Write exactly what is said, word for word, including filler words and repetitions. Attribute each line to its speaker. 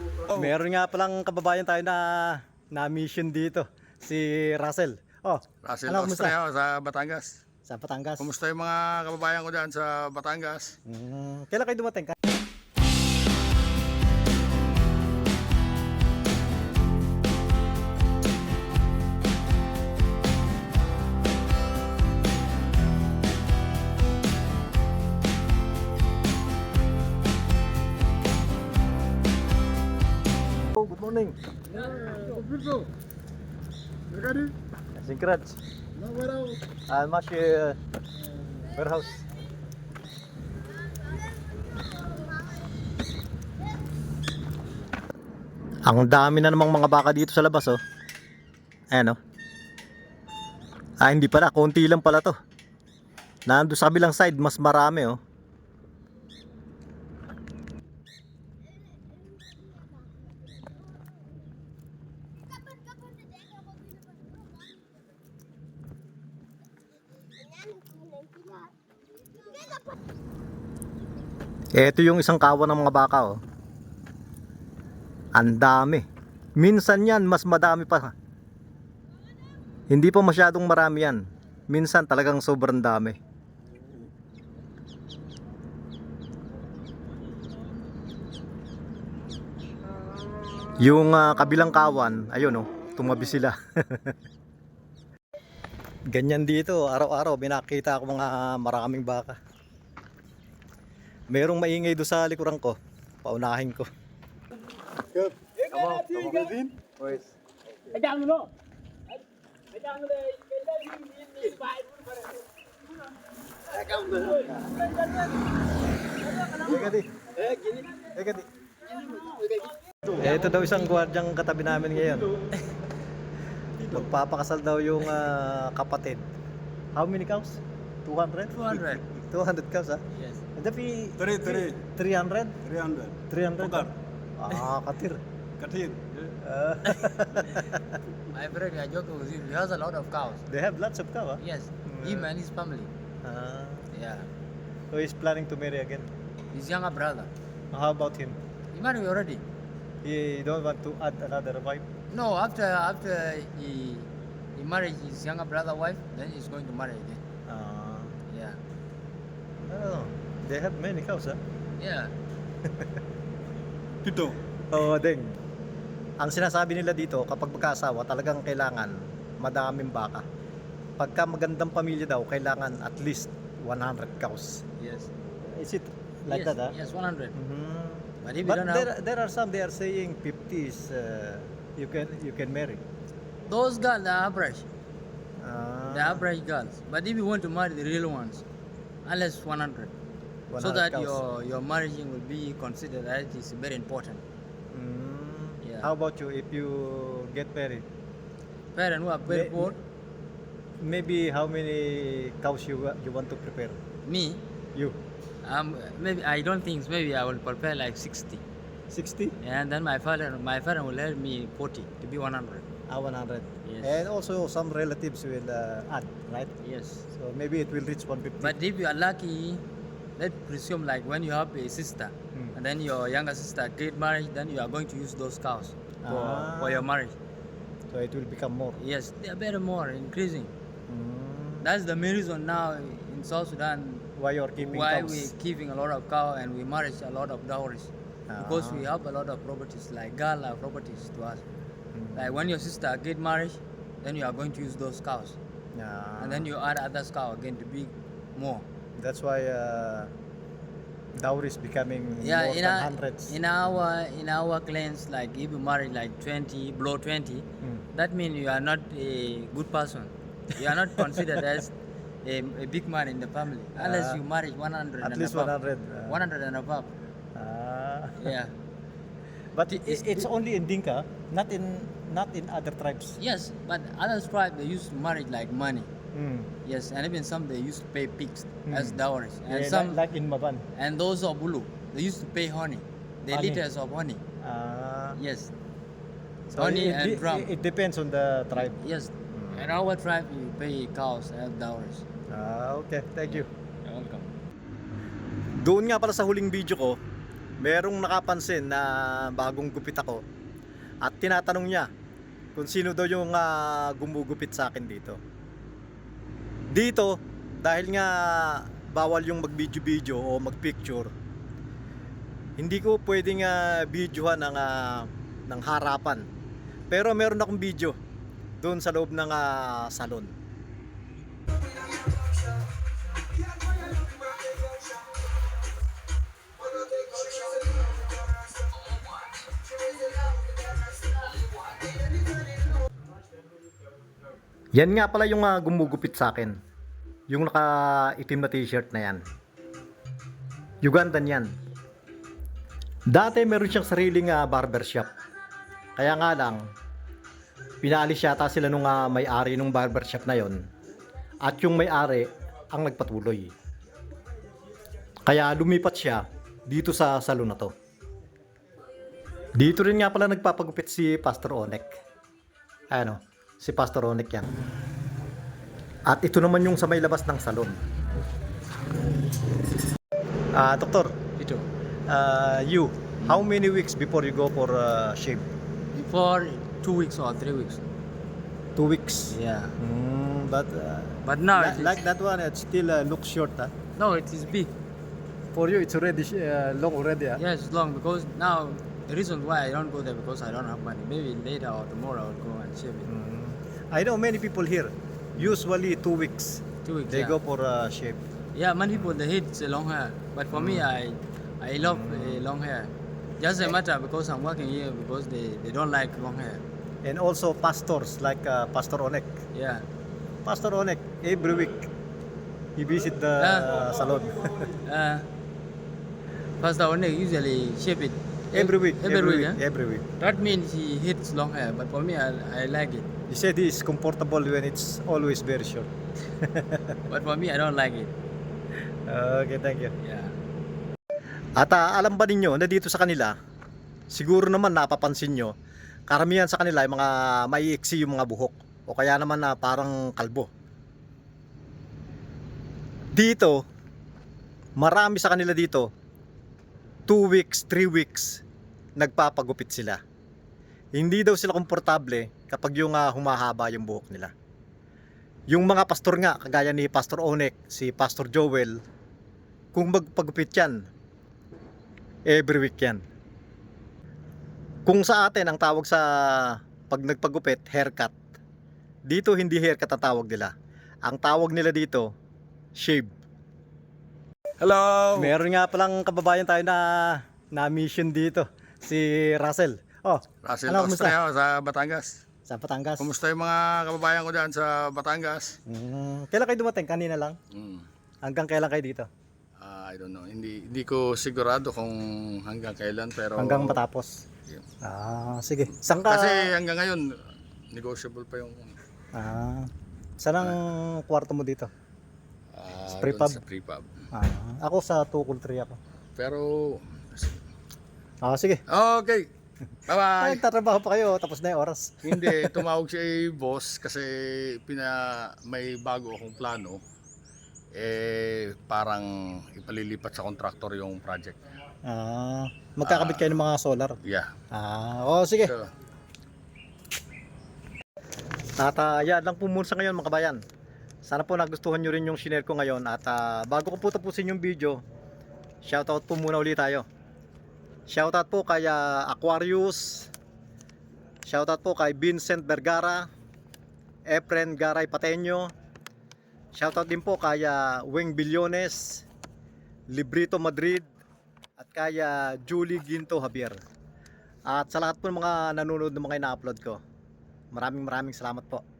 Speaker 1: Meron nga palang kababayan tayo na na mission dito, si Russell. Oh,
Speaker 2: Russell
Speaker 1: ano, kumusta?
Speaker 2: Ostreo sa Batangas.
Speaker 1: Sa Batangas.
Speaker 2: Kumusta yung mga kababayan ko dyan sa Batangas?
Speaker 1: Hmm, kailan kayo dumating ka? Oh, good morning. Sinkraj. Ah, mashi uh, warehouse. Ang dami na namang mga baka dito sa labas, oh. Ayan, oh. Ah, hindi pala, konti lang pala to. Nando sa kabilang side, mas marami, oh. Ito yung isang kawan ng mga baka, oh. Ang dami. Minsan yan, mas madami pa. Hindi pa masyadong marami yan. Minsan talagang sobrang dami. Yung uh, kabilang kawan, ayun, oh, tumabi sila. Ganyan dito, araw-araw binakita ako mga maraming baka. Merong maingay doon sa likuran ko. Paunahin ko. Good. Come on, come on in. Boys. Ito daw isang gwardyang katabi namin ngayon. Magpapakasal daw yung uh, kapatid. How many cows? two hundred?
Speaker 3: two hundred.
Speaker 1: two hundred cows, ha?
Speaker 3: Yes.
Speaker 1: Tapi
Speaker 4: Three, three.
Speaker 1: three hundred?
Speaker 4: three hundred.
Speaker 1: three hundred?
Speaker 4: Tukar.
Speaker 1: Ah, katir.
Speaker 4: Kathir.
Speaker 1: Ah,
Speaker 3: My friend, I joking with him. He has a lot of cows.
Speaker 1: they have lots of cows, huh?
Speaker 3: Yes. Him and his family.
Speaker 1: Ah,
Speaker 3: Yeah.
Speaker 1: so he's planning to marry again.
Speaker 3: His younger brother.
Speaker 1: How about him?
Speaker 3: He married already.
Speaker 1: He don't want to add another wife?
Speaker 3: No, after after he he married his younger brother wife, then he's going to marry again.
Speaker 1: Ah,
Speaker 3: Yeah.
Speaker 1: oh, they have many cows, huh?
Speaker 3: Yeah.
Speaker 4: Tito.
Speaker 1: Oo, ding. Ang sinasabi nila dito, kapag magkaasawa, talagang kailangan madaming baka. Pagka magandang pamilya daw, kailangan at least one hundred cows.
Speaker 3: Yes.
Speaker 1: Is it like
Speaker 3: yes,
Speaker 1: that, huh?
Speaker 3: Yes, one hundred.
Speaker 1: Mhm.
Speaker 3: But if you
Speaker 1: But
Speaker 3: don't
Speaker 1: there,
Speaker 3: have
Speaker 1: there are some, they are saying fifty is uh, you can you can marry.
Speaker 3: those girls, the average,
Speaker 1: Ah,
Speaker 3: the average girls. But if you want to marry the real ones, unless one hundred, so
Speaker 1: 100
Speaker 3: that
Speaker 1: cows.
Speaker 3: your your marriage will be considered that it is very important.
Speaker 1: Mm.
Speaker 3: Yeah.
Speaker 1: How about you if you get married?
Speaker 3: Parents who are very
Speaker 1: May-
Speaker 3: poor,
Speaker 1: Maybe how many cows you wa- you want to prepare?
Speaker 3: me,
Speaker 1: You
Speaker 3: um, maybe I don't think maybe I will prepare like sixty,
Speaker 1: sixty?
Speaker 3: and then my father, my father will help me forty to be one hundred.
Speaker 1: Ah, one hundred.
Speaker 3: Yes.
Speaker 1: And also some relatives will uh, add, right?
Speaker 3: Yes.
Speaker 1: So maybe it will reach one fifty.
Speaker 3: But if you are lucky, let's presume like when you have a sister,
Speaker 1: Hmm.
Speaker 3: and then your younger sister get married, then you are going to use those cows for,
Speaker 1: Ah.
Speaker 3: for your marriage.
Speaker 1: So it will become more.
Speaker 3: Yes, they are better more increasing.
Speaker 1: Mm.
Speaker 3: That's the main reason now in South Sudan
Speaker 1: Why you're keeping
Speaker 3: why
Speaker 1: cows?
Speaker 3: we keeping a lot of cow and we marriage a lot of dowries because
Speaker 1: Ah.
Speaker 3: we have a lot of properties like girl are properties to us.
Speaker 1: Mm.
Speaker 3: Like when your sister get married, then you are going to use those cows,
Speaker 1: Yeah.
Speaker 3: and then you add other cow again to be more.
Speaker 1: That's why uh, dowry is becoming
Speaker 3: Yeah,
Speaker 1: more
Speaker 3: in
Speaker 1: than
Speaker 3: our,
Speaker 1: hundreds.
Speaker 3: in our in our clans, like if you marry like twenty, below twenty,
Speaker 1: Mm.
Speaker 3: that means you are not a good person. You are not considered as a, a big man in the family unless
Speaker 1: Ah.
Speaker 3: you marry one hundred
Speaker 1: At
Speaker 3: and
Speaker 1: least
Speaker 3: above.
Speaker 1: one hundred. Uh,
Speaker 3: one hundred and above.
Speaker 1: Ah.
Speaker 3: Yeah.
Speaker 1: But it, it's only in Dinka, not in not in other tribes.
Speaker 3: Yes, but other tribes they used to marry like money.
Speaker 1: Mm.
Speaker 3: Yes, and even some they used to pay pigs
Speaker 1: Hmm.
Speaker 3: as dowries, and
Speaker 1: Yeah,
Speaker 3: some
Speaker 1: like, like in Maban.
Speaker 3: and those of Bulu they used to pay honey, the
Speaker 1: Honey.
Speaker 3: liters of honey.
Speaker 1: Ah.
Speaker 3: Yes,
Speaker 1: So
Speaker 3: honey
Speaker 1: it,
Speaker 3: and
Speaker 1: it,
Speaker 3: drum.
Speaker 1: it depends on the tribe.
Speaker 3: Yes, in our tribe you pay cows as dowries.
Speaker 1: Ah, okay. Thank you.
Speaker 3: You're welcome.
Speaker 1: Doon nga pala sa huling video ko, merong nakapansin na bagong gupit ako at tinatanong niya kung sino daw yung ah, gumugupit sa akin dito. Dito, dahil nga bawal yung mag-video-video o mag-picture, hindi ko pwedeng uh, videohan ng, ah, ng harapan. Pero meron akong video doon sa loob ng ah, salon. Yan nga pala yung ah, gumugupit sa akin. Yung naka-itim na t-shirt na yan. Ugandan yan. Dati meron siyang sariling uh, barbershop. Kaya nga lang, pinaalis yata sila nung uh, may-ari nung barbershop na yon. At yung may-ari ang nagpatuloy. Kaya lumipat siya dito sa salon na to. Dito rin nga pala nagpapagupit si Pastor Onek. Ano, si Pastor Onek yan. At ito naman yung sa may labas ng salon. Ah, doktor,
Speaker 3: Ito.
Speaker 1: uh, you, how many weeks before you go for uh, shave?
Speaker 3: For two weeks or three weeks.
Speaker 1: Two weeks.
Speaker 3: Yeah.
Speaker 1: Mm, but uh,
Speaker 3: But now
Speaker 1: li-
Speaker 3: it is,
Speaker 1: like that one, it still uh, looks short. Huh?
Speaker 3: no, it is big.
Speaker 1: For you, it's already sh- uh, long already. Huh?
Speaker 3: Yes, it's long because now the reason why I don't go there because I don't have money. Maybe later or tomorrow I'll go and shave it.
Speaker 1: Mm. I know many people here. Usually two weeks.
Speaker 3: Two weeks.
Speaker 1: They
Speaker 3: yeah.
Speaker 1: go for uh, shave.
Speaker 3: Yeah, many people they hate uh, long hair, but for me I I love uh, long hair. Just a matter because I'm working here because they, they don't like long hair.
Speaker 1: And also pastors like uh, Pastor Onek.
Speaker 3: Yeah.
Speaker 1: Pastor Onek, every week he visit the
Speaker 3: Ah.
Speaker 1: salon.
Speaker 3: Uh, Pastor Onek usually shave it
Speaker 1: every week.
Speaker 3: Every, week. eh?
Speaker 1: Every week.
Speaker 3: That means he hates long hair, but for me I, I like it.
Speaker 1: He said he is comfortable when it's always very short.
Speaker 3: But for me I don't like it.
Speaker 1: Okay, thank you.
Speaker 3: Yeah.
Speaker 1: At ah, alam ba ninyo na dito sa kanila, siguro naman napapansin nyo, karamihan sa kanila ay mga maiiksi yung mga buhok o kaya naman na parang kalbo. Dito, marami sa kanila dito, two weeks, three weeks, nagpapagupit sila. Hindi daw sila komportable kapag yung ah, humahaba yung buhok nila. Yung mga pastor nga, kagaya ni Pastor Onek, si Pastor Joel, kung magpagupit yan, every week yan. Kung sa atin ang tawag sa pag nagpagupit, haircut. Dito hindi haircut ang tawag nila. Ang tawag nila dito, shave.
Speaker 2: Hello!
Speaker 1: Meron nga palang kababayan tayo na na mission dito, si Russell. Oh,
Speaker 2: Russell
Speaker 1: ano, kumusta?
Speaker 2: Ostreo sa Batangas.
Speaker 1: Sa Batangas.
Speaker 2: Kumusta yung mga kababayan ko dyan sa Batangas?
Speaker 1: Mm, kailan kayo dumating? Kanina lang?
Speaker 2: Mm.
Speaker 1: Hanggang kailan kayo dito?
Speaker 2: Ah, I don't know. Hindi hindi ko sigurado kung hanggang kailan pero
Speaker 1: Hanggang matapos?
Speaker 2: Yeah.
Speaker 1: Ah, sige. Saan ka?
Speaker 2: Kasi hanggang ngayon negotiable pa yung
Speaker 1: Ah, saan ang kwarto mo dito?
Speaker 2: ah,
Speaker 1: Sa
Speaker 2: doon
Speaker 1: prepub?
Speaker 2: Sa prepub.
Speaker 1: Ah, ako sa Tukul three ako.
Speaker 2: Pero
Speaker 1: Ah, sige.
Speaker 2: okay.
Speaker 1: Ay,
Speaker 2: Bye-bye.
Speaker 1: nagtatrabaho pa kayo, tapos na yung oras.
Speaker 2: Hindi, tumawag si boss kasi pina may bago akong plano. Eh parang ipalilipat sa contractor yung project.
Speaker 1: Ah, magkakabit kayo ng mga solar.
Speaker 2: Yeah.
Speaker 1: Ah, oh sige.
Speaker 2: So,
Speaker 1: At ah, yan lang po muna sa ngayon mga kabayan. Sana po nagustuhan nyo rin yung shinare ko ngayon. At ah, bago ko po tapusin yung video, shoutout po muna ulit tayo. Shoutout po kay ah, Aquarius. Shoutout po kay Vincent Vergara, Efren Garay Pateño. Shoutout din po kay ah, Weng Billones, Librito Madrid, at kay ah, Julie Ginto Javier. At sa lahat po ng mga nanonood ng mga ina-upload ko, maraming maraming salamat po.